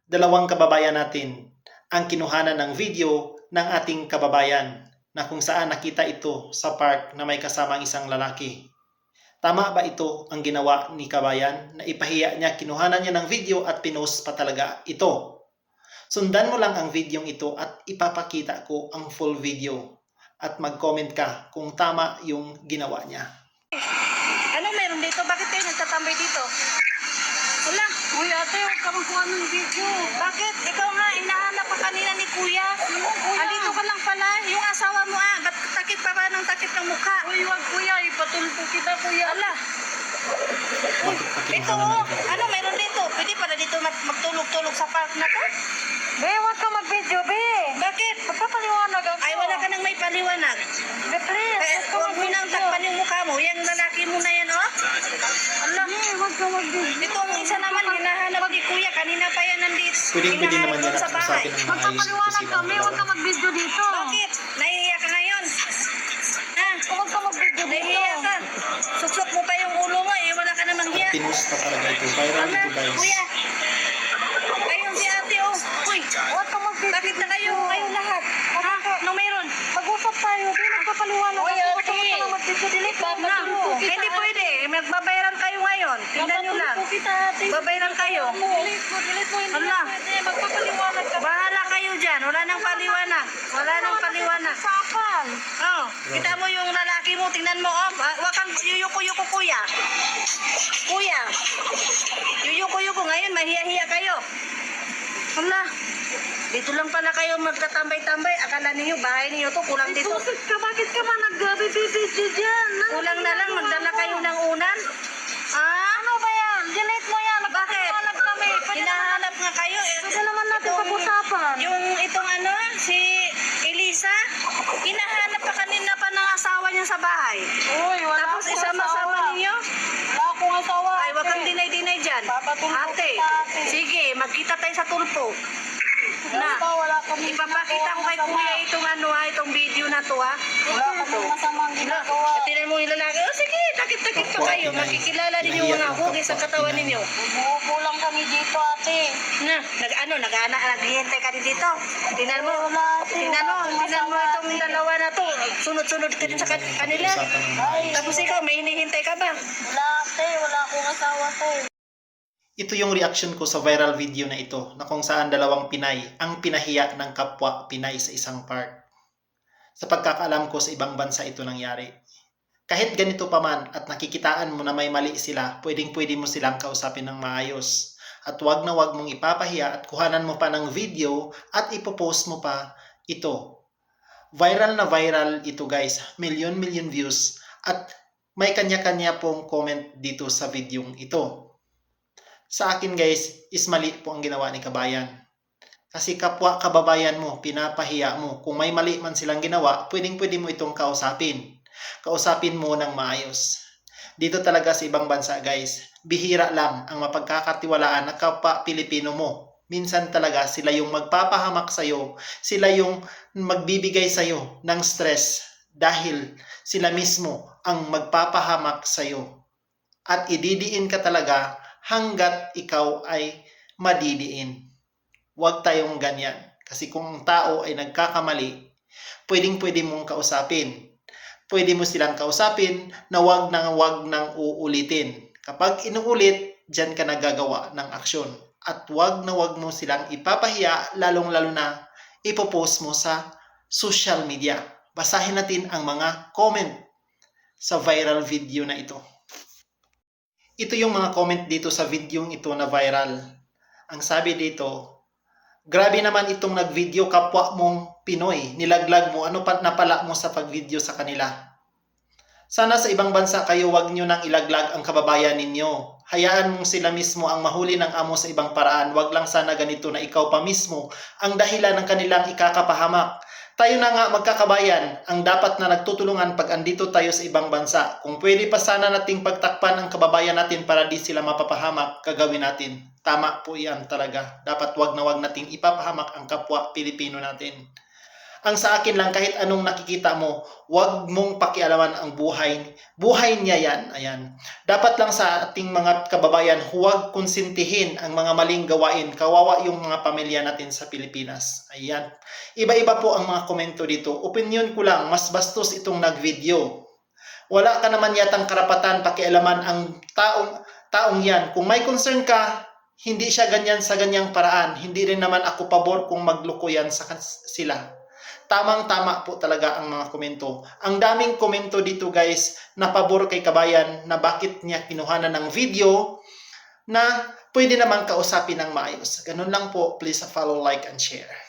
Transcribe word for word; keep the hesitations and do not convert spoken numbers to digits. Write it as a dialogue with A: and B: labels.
A: dalawang kababayan natin ang kinuhanan ng video ng ating kababayan na kung saan nakita ito sa park na may kasamang isang lalaki. Tama ba ito ang ginawa ni kabayan na ipahiya niya, kinuhanan niya ng video at pinost pa talaga ito? Sundan mo lang ang videong ito at ipapakita ko ang full video at mag-comment ka kung tama yung ginawa niya.
B: Ano meron dito? Bakit kayo nagtatambay dito? Wala.
C: Uy, ate, huwag ka magkuha ng video.
B: Bakit? Ikaw nga, hinahanap pa kanina ni Kuya.
C: Sino, kuya?
B: Andito ka lang pala. Yung asawa mo ah. Ba't takip pa ba ng takip ng mukha?
C: Uy, wag kuya, ipatulpo kita kuya.
B: Ala. Uy, ito oh. Ano meron dito? Pwede pala dito mag- magtulog-tulog sa park na to?
C: Be, wag ka mag-video, be.
B: Bakit?
C: Magpapaliwanag ako.
B: Ay, wala ka nang may paliwanag.
C: Be, please,
B: Eh,
C: wag ka
B: huwag mo nang
C: mag-video.
B: takpan yung mukha mo. Yan lalaki mo na yan, oh. Ala.
C: Be, wag ka mag-video.
B: Itong isa naman, hinahanap ni Kuya. Kanina pa yan nandito.
A: Pwede pwede
B: Hinahanap
A: naman
B: doon
A: yan
B: sa
A: at
B: bahay.
A: usapin ng maayos
C: Magpapaliwanag
A: kasi
C: kami, wag ka
A: dalawa.
C: mag-video dito.
B: Bakit? Nahihiya ka ngayon? Ha?
C: Wag ka mag-video dito.
B: Nahihiya ka? Suksok mo pa yung ulo mo eh. Wala ka namang hiya.
A: At pinost pa talaga ito. Viral
B: Ala,
A: ito guys.
B: Kuya. Ayun si ate oh. Uy,
C: Wag ka mag-video.
B: bakit na kayo? Kayo lahat. Ha? Anong meron?
C: Mag-usap tayo, be. Magpapaliwanag
B: Uy,
C: ako.
B: ate.
C: Huwag ka na mag-video. Delete mo.
B: Na,
C: Matulpo kita.
B: hindi pwede. Magbabayaran kayo ngayon. Tingnan nyo lang.
C: Matulpo kita, ate.
B: Babayaran kayo.
C: Delete mo, delete mo. Hindi
B: Ala.
C: na pwede. Magpapaliwanag ka.
B: Bahala kayo dyan. Wala nang paliwanag. Wala nang paliwanag.
C: Usapan.
B: Oh, kita mo yung lalaki mo, tingnan mo, oh. Ah, Wag kang yuyuko-yuko, kuya. Kuya. Yuyuko-yuko ngayon, mahiya-hiya kayo. Hala. Dito lang pala kayo magtatambay-tambay. Akala niyo bahay niyo to, kulang dito.
C: Bakit ka? Bakit ka man nag-video dyan?
B: Kulang na lang, magdala kayo ng unan. Ah?
C: Ano ba yan? Delete mo yan.
B: Bakit?
C: Magpapaliwanag kami. Pwede naman,
B: Hinahanap nga kayo. Eh,
C: pwede naman natin
B: itong-
C: pag-usapan.
B: Yung itong ano, si Elisa, hinahanap pa kanina pa ng asawa niya sa bahay.
C: Uy, wala
B: Tapos
C: akong
B: isama-sama
C: asawa.
B: ninyo.
C: Wala akong asawa.
B: Ay, wag kang
C: ate.
B: dinay-dinay dyan.
C: Papatulpo
B: Ate,
C: kita, ate.
B: sige, magkita tayo sa tulpo. Na,
C: Basta wala kami
B: ipapakita ko kay Kuya itong ano ha, itong video na to ha.
C: Wala kami masamang ginagawa.
B: At tinan mo yung lalaki, oh sige, takip-takip pa kayo. Makikilala din yung mga hugis sa katawan ninyo.
C: Bubuo lang kami dito, ate.
B: Na, nag ano, nag-ana, naghihintay ka din dito. Tingnan mo,
C: Wala, ate.
B: tingnan mo,
C: Wala akong
B: tingnan mo
C: masama,
B: itong
C: ate.
B: dalawa na to. Sunod-sunod ka din sa kan- kanila.
A: Usapan ng
C: Ay,
A: maayos.
B: Tapos ikaw, may hinihintay ka ba?
C: Wala, ate. Wala akong asawa, ate.
A: Ito yung reaction ko sa viral video na ito na kung saan dalawang Pinay ang pinahiya ng kapwa Pinay sa isang park. Sa pagkakaalam ko sa ibang bansa ito nangyari. Kahit ganito pa man at nakikitaan mo na may mali sila, pwedeng pwede mo silang kausapin ng maayos. At wag na wag mong ipapahiya at kuhanan mo pa ng video at ipopost mo pa ito. Viral na viral ito guys, million-million views at may kanya-kanya pong comment dito sa videong ito. Sa akin guys, is mali po ang ginawa ni kabayan. Kasi kapwa kababayan mo, pinapahiya mo. Kung may mali man silang ginawa, pwedeng pwede mo itong kausapin. Kausapin mo ng maayos. Dito talaga sa ibang bansa guys, bihira lang ang mapagkakatiwalaan na kapwa Pilipino mo. Minsan talaga sila yung magpapahamak sa'yo, sila yung magbibigay sa'yo ng stress dahil sila mismo ang magpapahamak sa'yo. At ididiin ka talaga hanggat ikaw ay madidiin. Huwag tayong ganyan. Kasi kung ang tao ay nagkakamali, pwedeng-pwede mong kausapin. Pwede mo silang kausapin na huwag nang huwag nang uulitin. Kapag inuulit, dyan ka nagagawa ng aksyon. At huwag na huwag mo silang ipapahiya, lalong-lalo na ipopost mo sa social media. Basahin natin ang mga comment sa viral video na ito. Ito yung mga comment dito sa videong ito na viral. Ang sabi dito, grabe naman itong nag-video kapwa mong Pinoy. Nilaglag mo, ano pa napala mo sa pag-video sa kanila. Sana sa ibang bansa kayo wag nyo nang ilaglag ang kababayan ninyo. Hayaan mong sila mismo ang mahuli ng amo sa ibang paraan. Wag lang sana ganito na ikaw pa mismo ang dahilan ng kanilang ikakapahamak. Tayo na nga magkakabayan ang dapat na nagtutulungan pag andito tayo sa ibang bansa. Kung pwede pa sana nating pagtakpan ang kababayan natin para di sila mapapahamak, gagawin natin. Tama po yan talaga. Dapat wag na wag nating ipapahamak ang kapwa Pilipino natin. Ang sa akin lang, kahit anong nakikita mo, huwag mong pakialaman ang buhay. Buhay niya yan. Ayan. Dapat lang sa ating mga kababayan, huwag konsintihin ang mga maling gawain. Kawawa yung mga pamilya natin sa Pilipinas. Ayan. Iba-iba po ang mga komento dito. Opinion ko lang, mas bastos itong nag-video. Wala ka naman yatang karapatan pakialaman ang taong, taong yan. Kung may concern ka, hindi siya ganyan sa ganyang paraan. Hindi rin naman ako pabor kung magloko yan sa sila. Tamang-tama po talaga ang mga komento. Ang daming komento dito guys na pabor kay kabayan na bakit niya kinuhanan ng video na pwede naman kausapin ng maayos. Ganun lang po. Please follow, like, and share.